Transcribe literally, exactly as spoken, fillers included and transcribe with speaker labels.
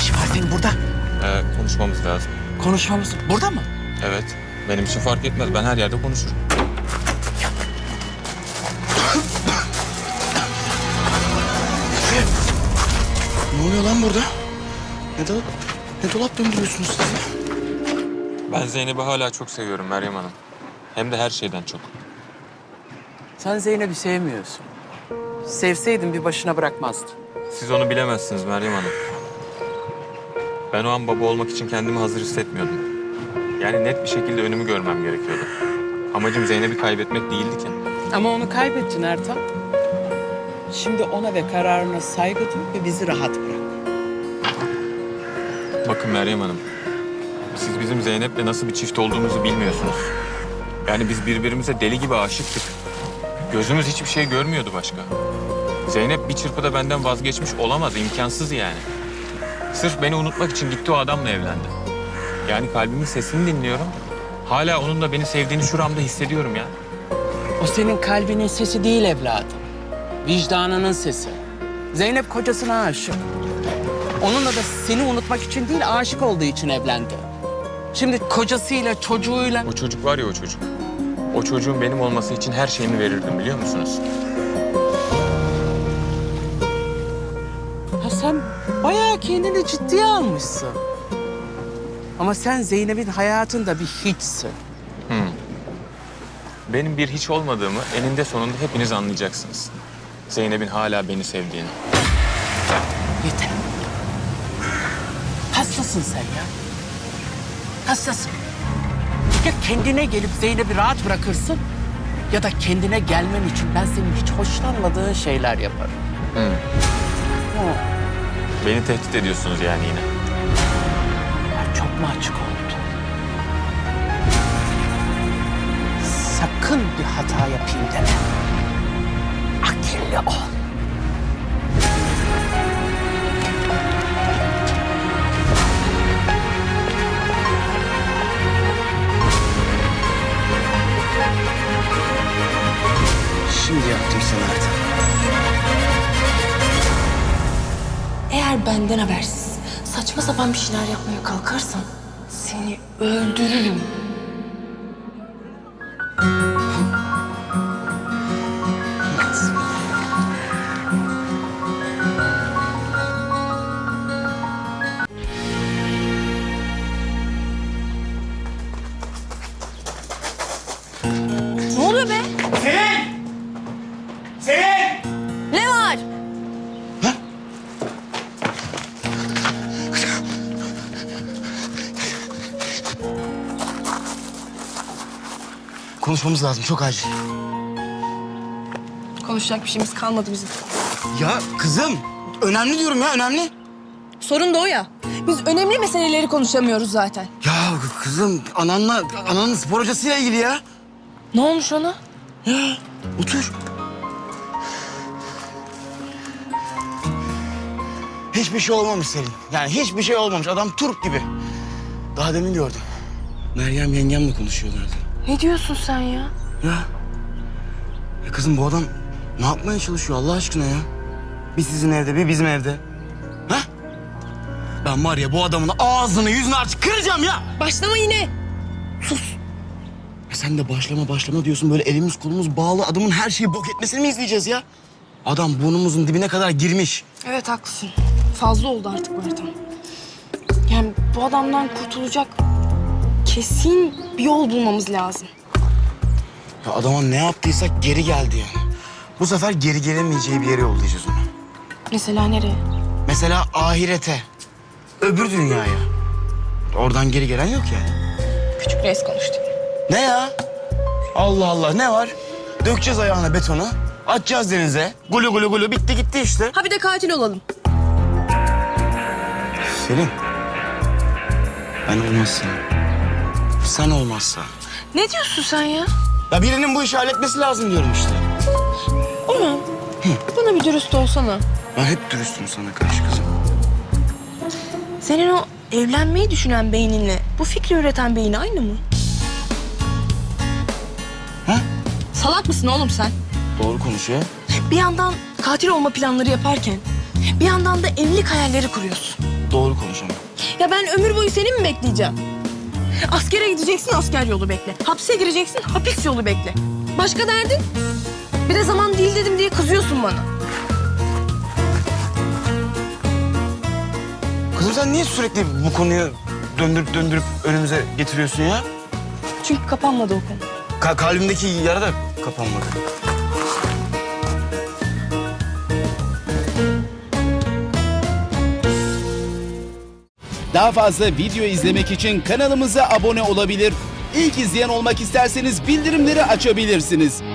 Speaker 1: işin var senin burada?
Speaker 2: Ee, konuşmamız lazım.
Speaker 1: Konuşmamız burada mı?
Speaker 2: Evet. Benim için fark etmez. Ben her yerde konuşurum.
Speaker 1: Ne oluyor lan burada? Ne dolap, ne dolap döndürüyorsunuz siz ya?
Speaker 2: Ben Zeynep'i hala çok seviyorum Meryem Hanım. Hem de her şeyden çok.
Speaker 1: Sen Zeynep'i sevmiyorsun. Sevseydin bir başına bırakmazdın.
Speaker 2: Siz onu bilemezsiniz Meryem Hanım. Ben o an baba olmak için kendimi hazır hissetmiyordum. Yani net bir şekilde önümü görmem gerekiyordu. Amacım Zeynep'i kaybetmek değildi ki.
Speaker 1: Ama onu kaybettin Ertan. Şimdi ona ve kararına saygı duy ve bizi rahat bırak.
Speaker 2: Bakın Meryem Hanım, siz bizim Zeynep'le nasıl bir çift olduğumuzu bilmiyorsunuz. Yani biz birbirimize deli gibi aşıktık. Gözümüz hiçbir şey görmüyordu başka. Zeynep bir çırpıda benden vazgeçmiş olamaz, imkansız yani. Sırf beni unutmak için gitti o adamla evlendi. Yani kalbimin sesini dinliyorum. Hala onun da beni sevdiğini şuramda hissediyorum ya.
Speaker 1: O senin kalbinin sesi değil evladım. Vicdanının sesi. Zeynep kocasına aşık. Onunla da seni unutmak için değil, aşık olduğu için evlendi. Şimdi kocasıyla, çocuğuyla...
Speaker 2: O çocuk var ya o çocuk. O çocuğun benim olması için her şeyimi verirdim biliyor musunuz?
Speaker 1: Ha sen bayağı kendini ciddiye almışsın. Ama sen Zeynep'in hayatında bir hiçsin.
Speaker 2: Hmm. Benim bir hiç olmadığımı eninde sonunda hepiniz anlayacaksınız. Zeynep'in hala beni sevdiğini.
Speaker 1: Yeter. Hastasın sen ya. Hastasın. Ya kendine gelip Zeynep'i rahat bırakırsın... ...ya da kendine gelmen için ben senin hiç hoşlanmadığın şeyler yaparım.
Speaker 2: Hmm.
Speaker 1: Ha.
Speaker 2: Beni tehdit ediyorsunuz yani yine.
Speaker 1: Ya çok mu açık oldu? Sakın bir hata yapayım deme. Akıllı ol. Şimdi yaptım sana artık.
Speaker 3: Eğer benden habersiz saçma sapan bir şeyler yapmaya kalkarsan seni öldürürüm. Ne oluyor be?
Speaker 1: Selin! Selin!
Speaker 3: Ne var?
Speaker 4: Konuşmamız lazım, çok acil.
Speaker 3: Konuşacak bir şeyimiz kalmadı bizim.
Speaker 4: Ya kızım, önemli diyorum ya, önemli.
Speaker 3: Sorun da o ya. Biz önemli meseleleri konuşamıyoruz zaten.
Speaker 4: Ya kızım, ananla, ananın spor hocasıyla ilgili ya.
Speaker 3: Ne olmuş ona?
Speaker 4: Ya, otur. Hiçbir şey olmamış Selin. Yani hiçbir şey olmamış. Adam turp gibi. Daha demin gördüm. Meryem yengemle konuşuyorlardı.
Speaker 3: Ne diyorsun sen ya?
Speaker 4: Ya. Ya kızım bu adam ne yapmaya çalışıyor Allah aşkına ya? Bir sizin evde, bir bizim evde. Ha? Ben var ya bu adamın ağzını yüzünü artık kıracağım ya.
Speaker 3: Başlama yine. Sus.
Speaker 4: Ya sen de başlama başlama diyorsun. Böyle elimiz kolumuz bağlı adamın her şeyi bok etmesini mi izleyeceğiz ya? Adam burnumuzun dibine kadar girmiş.
Speaker 3: Evet haklısın. Fazla oldu artık bu Ertan. Yani bu adamdan kurtulacak kesin bir yol bulmamız lazım.
Speaker 4: Ya adama ne yaptıysak geri geldi yani. Bu sefer geri gelemeyeceği bir yere yollayacağız onu.
Speaker 3: Mesela nereye?
Speaker 4: Mesela ahirete. Öbür dünyaya. Oradan geri gelen yok yani.
Speaker 3: Küçük reis konuştu.
Speaker 4: Ne ya? Allah Allah ne var? Dökeceğiz ayağına betonu. Atacağız denize. Gulu gulu gulu bitti gitti işte.
Speaker 3: Ha bir de katil olalım.
Speaker 4: Selin. Ben olmazsam. Sen olmazsa.
Speaker 3: Ne diyorsun sen ya?
Speaker 4: Ya birinin bu işi halletmesi lazım diyorum işte.
Speaker 3: Orhan, bana bir dürüst olsana.
Speaker 4: Ben hep dürüstüm sana karşı kızım.
Speaker 3: Senin o evlenmeyi düşünen beyninle bu fikri üreten beyin aynı mı?
Speaker 4: Ha?
Speaker 3: Salak mısın oğlum sen?
Speaker 4: Doğru konuşuyor.
Speaker 3: Bir yandan katil olma planları yaparken bir yandan da evlilik hayalleri kuruyorsun.
Speaker 4: doğru konuş ama.
Speaker 3: Ya ben ömür boyu seni mi bekleyeceğim? Askere gideceksin, asker yolu bekle. Hapse gireceksin, hapis yolu bekle. Başka derdin? Bir de zaman değil dedim diye kızıyorsun bana.
Speaker 4: Kızım sen niye sürekli bu konuyu döndürüp döndürüp önümüze getiriyorsun ya?
Speaker 3: Çünkü kapanmadı o konu.
Speaker 4: Ka- kalbimdeki yara da kapanmadı.
Speaker 5: Daha fazla video izlemek için kanalımıza abone olabilir. İlk izleyen olmak isterseniz bildirimleri açabilirsiniz.